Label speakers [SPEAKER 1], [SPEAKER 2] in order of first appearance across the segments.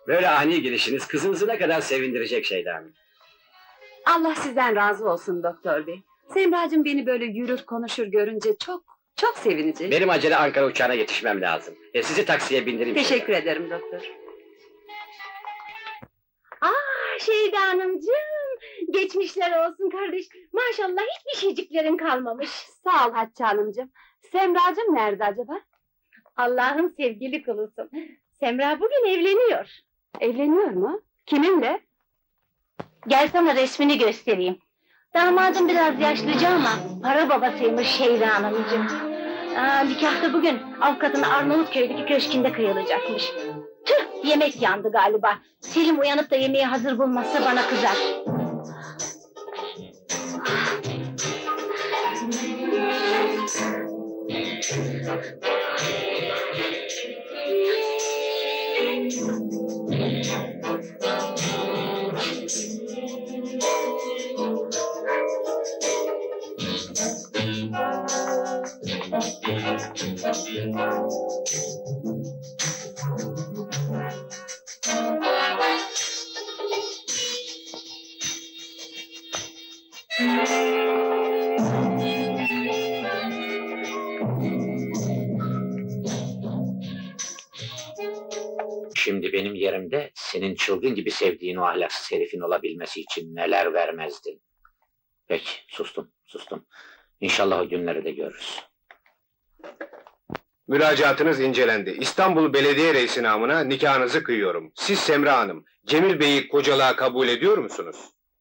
[SPEAKER 1] Böyle ani girişiniz kızınızı ne kadar sevindirecek Şeyda Hanım.
[SPEAKER 2] Allah sizden razı olsun doktor bey. Semracığım beni böyle yürür konuşur görünce çok sevinecek.
[SPEAKER 1] Benim acele Ankara uçağına yetişmem lazım. Sizi taksiye bindireyim.
[SPEAKER 2] Teşekkür ederim doktor.
[SPEAKER 3] Şeyda Hanımcığım, geçmişler olsun kardeş. Maşallah hiçbir şeyciklerin kalmamış.
[SPEAKER 2] Sağ ol Hatice Hanımcığım. Semracığım nerede acaba?
[SPEAKER 3] Allah'ın sevgili kulusun. Semra bugün evleniyor.
[SPEAKER 2] Evleniyor mu? Kiminle?
[SPEAKER 3] Gel sana resmini göstereyim. Damadım biraz yaşlıca ama para babasıymış Şeyda Hanımcığım. Nikah da bugün avukatın Arnavutköy'deki köşkünde kıyılacakmış. Tüh, yemek yandı galiba. Selim uyanıp da yemeği hazır bulmazsa bana kızar.
[SPEAKER 4] Şimdi benim yerimde senin çılgın gibi sevdiğin o ahlaksız herifin olabilmesi için neler vermezdin. Peki, sustum. İnşallah o günleri de görürüz.
[SPEAKER 5] Müracaatınız incelendi. İstanbul Belediye Reisi namına nikahınızı kıyıyorum. Siz Semra Hanım, Cemil Bey'i kocalığa kabul ediyor musunuz?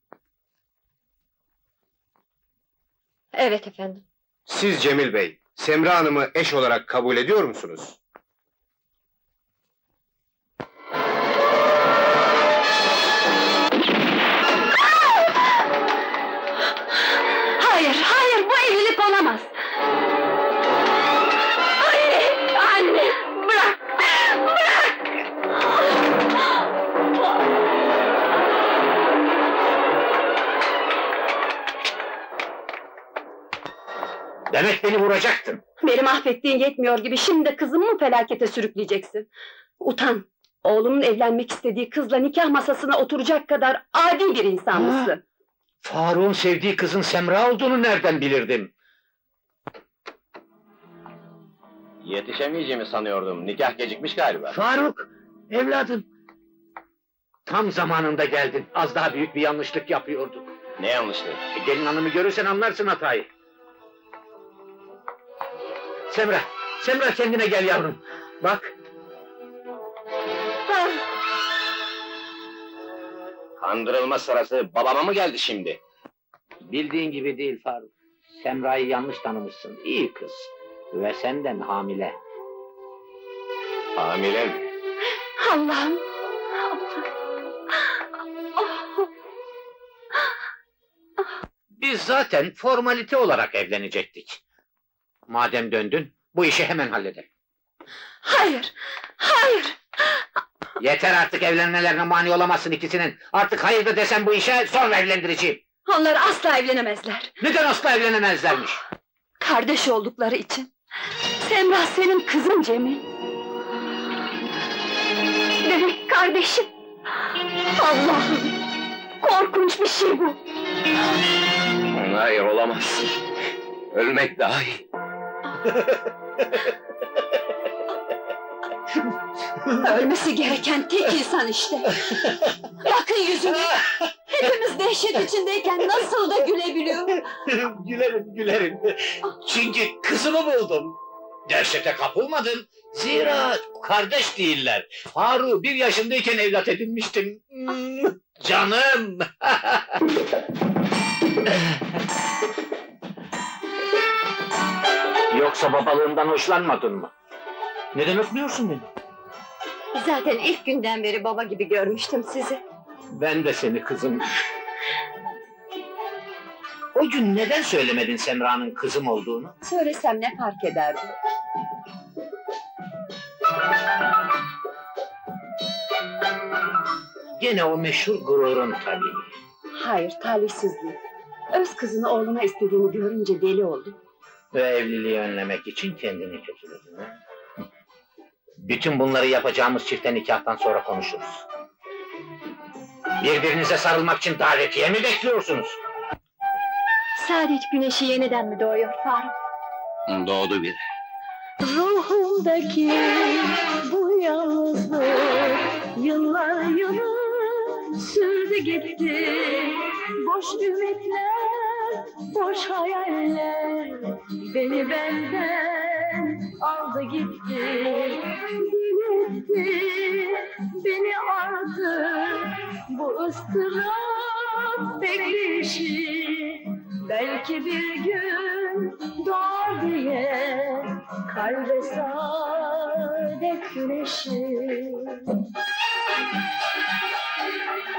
[SPEAKER 3] Evet efendim.
[SPEAKER 5] Siz Cemil Bey, Semra Hanım'ı eş olarak kabul ediyor musunuz?
[SPEAKER 2] Hayır, bu evlilik olamaz. Anne, bırak!
[SPEAKER 4] Demek beni vuracaktın.
[SPEAKER 2] Beni mahvettiğin yetmiyor gibi şimdi de kızımı mı felakete sürükleyeceksin? Utan! Oğlumun evlenmek istediği kızla nikah masasına oturacak kadar adi bir insan mısın?
[SPEAKER 4] Faruk'un sevdiği kızın Semra olduğunu nereden bilirdim?
[SPEAKER 5] Yetişemeyeceğimi sanıyordum. Nikah gecikmiş galiba.
[SPEAKER 4] Faruk, evladım. Tam zamanında geldin. Az daha büyük bir yanlışlık yapıyorduk.
[SPEAKER 5] Ne yanlışlığı?
[SPEAKER 4] Gelin hanımı görürsen anlarsın hatayı. Semra kendine gel yavrum. Bak,
[SPEAKER 5] Kandırılma sırası babama mı geldi şimdi?
[SPEAKER 4] bildiğin gibi değil Faruk. Semra'yı yanlış tanımışsın. İyi kız. Ve senden hamile.
[SPEAKER 5] Hamile mi?
[SPEAKER 2] Allah'ım!
[SPEAKER 4] Biz zaten formalite olarak evlenecektik. Madem döndün, bu işi hemen halledelim.
[SPEAKER 2] Hayır!
[SPEAKER 4] Yeter artık, evlenmelerine mani olamazsın ikisinin. Artık hayır da desem bu işe, sonra evlendireceğim.
[SPEAKER 2] Onlar asla evlenemezler.
[SPEAKER 4] Neden asla evlenemezlermiş?
[SPEAKER 2] Kardeş oldukları için. Semra senin kızın Cemil. Demek kardeşim. Allah'ım! Korkunç bir şey bu.
[SPEAKER 5] Hayır, olamaz. Ölmek daha iyi.
[SPEAKER 2] Ölmesi gereken tek insan işte. Bakın yüzüne. Hepimiz dehşet içindeyken nasıl da gülebiliyor.
[SPEAKER 4] Gülerim. Çünkü kızımı buldum. Dehşete kapılmadım. Zira kardeş değiller. Faruk'u 1 yaşındayken evlat edinmiştim. Canım! Yoksa babalığından hoşlanmadın mı? Neden öpmüyorsun beni?
[SPEAKER 2] Zaten ilk günden beri baba gibi görmüştüm sizi.
[SPEAKER 4] Ben de seni kızım. O gün neden söylemedin Semra'nın kızım olduğunu?
[SPEAKER 2] Söylesem ne fark ederdi?
[SPEAKER 4] Gene o meşhur gururun tabii.
[SPEAKER 2] Hayır, talihsizliği. Öz kızını oğluna istediğini görünce deli oldu.
[SPEAKER 4] Ve evliliği önlemek için kendini kötüledin ha? Bütün bunları yapacağımız çifte nikahtan sonra konuşuruz. Birbirinize sarılmak için davetiye mi bekliyorsunuz?
[SPEAKER 2] Saadet güneşi yeniden mi doğuyor Faruk?
[SPEAKER 6] Doğdu bir.
[SPEAKER 2] Ruhumdaki bu yalnızlık yıllar yılı sürdü gitti. Boş ümitler, boş hayaller beni benden aldı gitti. Diletti beni artık bu ıstırap bekleyişi. Belki bir gün doğar diye kalbe saadet güneşi.